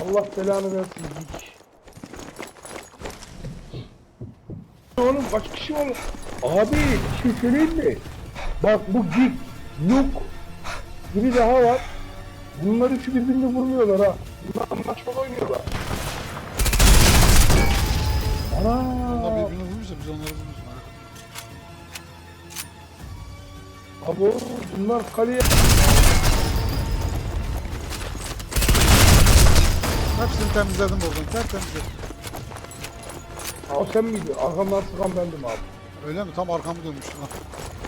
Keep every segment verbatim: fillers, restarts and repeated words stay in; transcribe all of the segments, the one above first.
Allah belanı versin. Hiç. Oğlum kaç kişi var? Abi bir şey söyleyeyim mi? Bak bu Gig, Nuke, biri daha var. Bunlar üçü birbirini vurmuyorlar ha. Bunlar maçma oynuyorlar. Ana. Onlar birbirini vurmuşsa biz onları vururuz. Abo bunlar kaleye... Hepsini temizledim oradan. Tertemizledim. O sen miydin? Arkamdan sıkan bendim abi. Öyle mi? Tam arkamı dönmüştüm lan.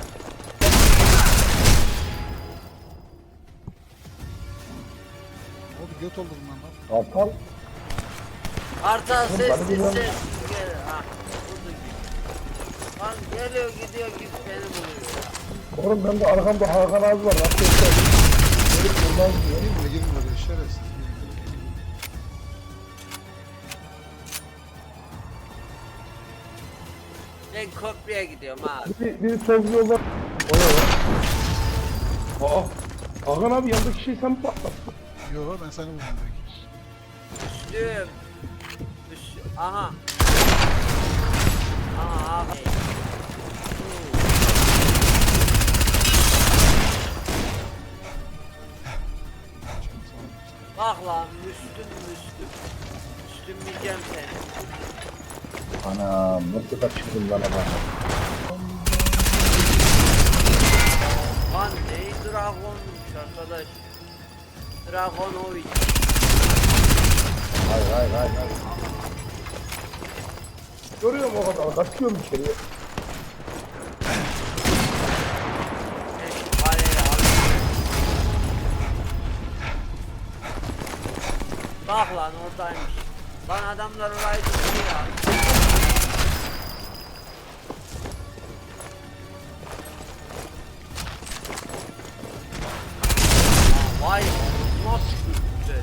Oldu göt oldu bundan lan. Aptal. Kartal Oğlum, ses bana ses bir lan- ses. Gel. Ha. Vurdu git. Lan geliyor gidiyor git beni buluyor ya. Oğlum bende arkamda Hakan abi var. Nasıl yapacağım? Gelip buradan diyor. Girme girme oraya şerefsiz. Ben köprüye gidiyorum abi. Bir, bir sol yolda... O ne lan? Aa! Hakan abi yandaki şey sen mi patlattın? Yo ben seni vurdum belki. Düştüm. Düştüm. Aha. Aha abi. Bak lan Müslüm Müslüm. Müslümleyeceğim seni. Anam nasıl kaçırdın lan ama? Lan neyi Dragon'muş arkadaş. Dragonovic. Hayır hayır hayır hayır. Görüyorum o kadar kaçıyorum içeriye. Ben şu kaleyi alayım. Bak lan oradaymış. Lan adamlar orayı tutuyor ya. Aa, vay nasıl güzel.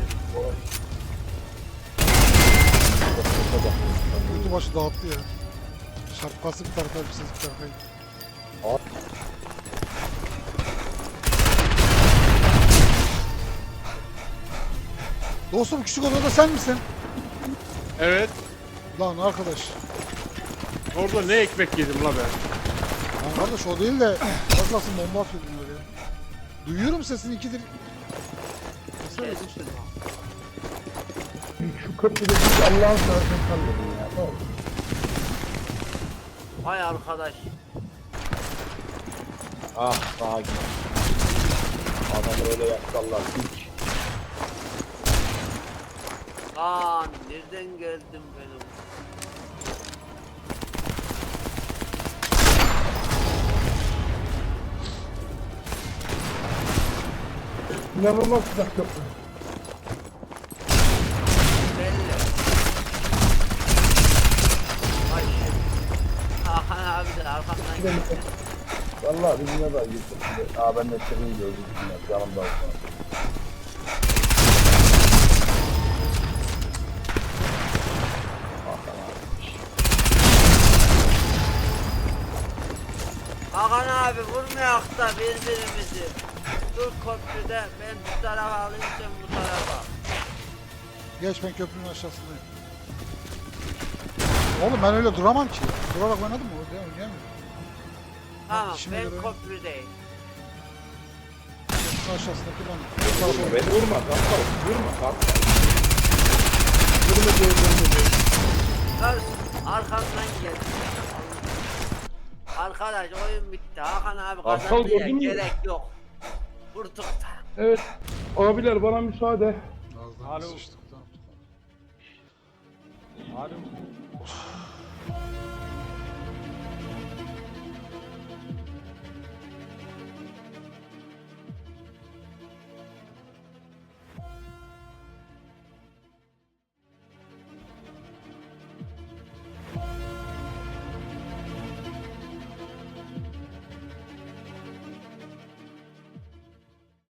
Kötü başı dağıttı ya. Şapkası bir tarafa elbisesi bir tarafa gitti. Dostum küçük odada sen misin? Evet. Lan arkadaş. Orada ne ekmek yedim la ben. Lan kardeş o değil de az kalsın bomba atıyordun oraya. Duyuyorum sesini ikidir. Sesler yok. Şu köprüde bir Allah'ın seversen kalmadın ya. Ne oldu? Vay arkadaş. Ah sağa git. Adamı öyle yapsallar hiç. Lan nereden geldim benim? İnanılmaz sıcak köprü. Belli. Ay şimdi. Hakan abi de arkamdan Gidelim. geldi. Valla bizimle de gittim. Aa ben de seni gördüm. Yanımda olsun. Hakan abi vurmayak da birbirimizi. Dur köprüde ben bu tarafa alayım sen bu tarafa. Geç ben köprünün aşağısındayım. Oğlum ben öyle duramam ki. Durarak oynadım mı? Öyle oynayamıyorum. Tamam işime ben göre- köprüdeyim. Köprünün aşağısındaki ben. Vurma beni vurma. Kalk vurma kalk. Vurma diyor vurma diyor. Kız arkamdan geldi. Arkadaş oyun bitti. Hakan abi Arkal kazanmaya gördün mü? gerek yok. Vurduk da. Evet. Abiler bana müsaade. Az daha Alo. sıçtık. Tamam. Halim.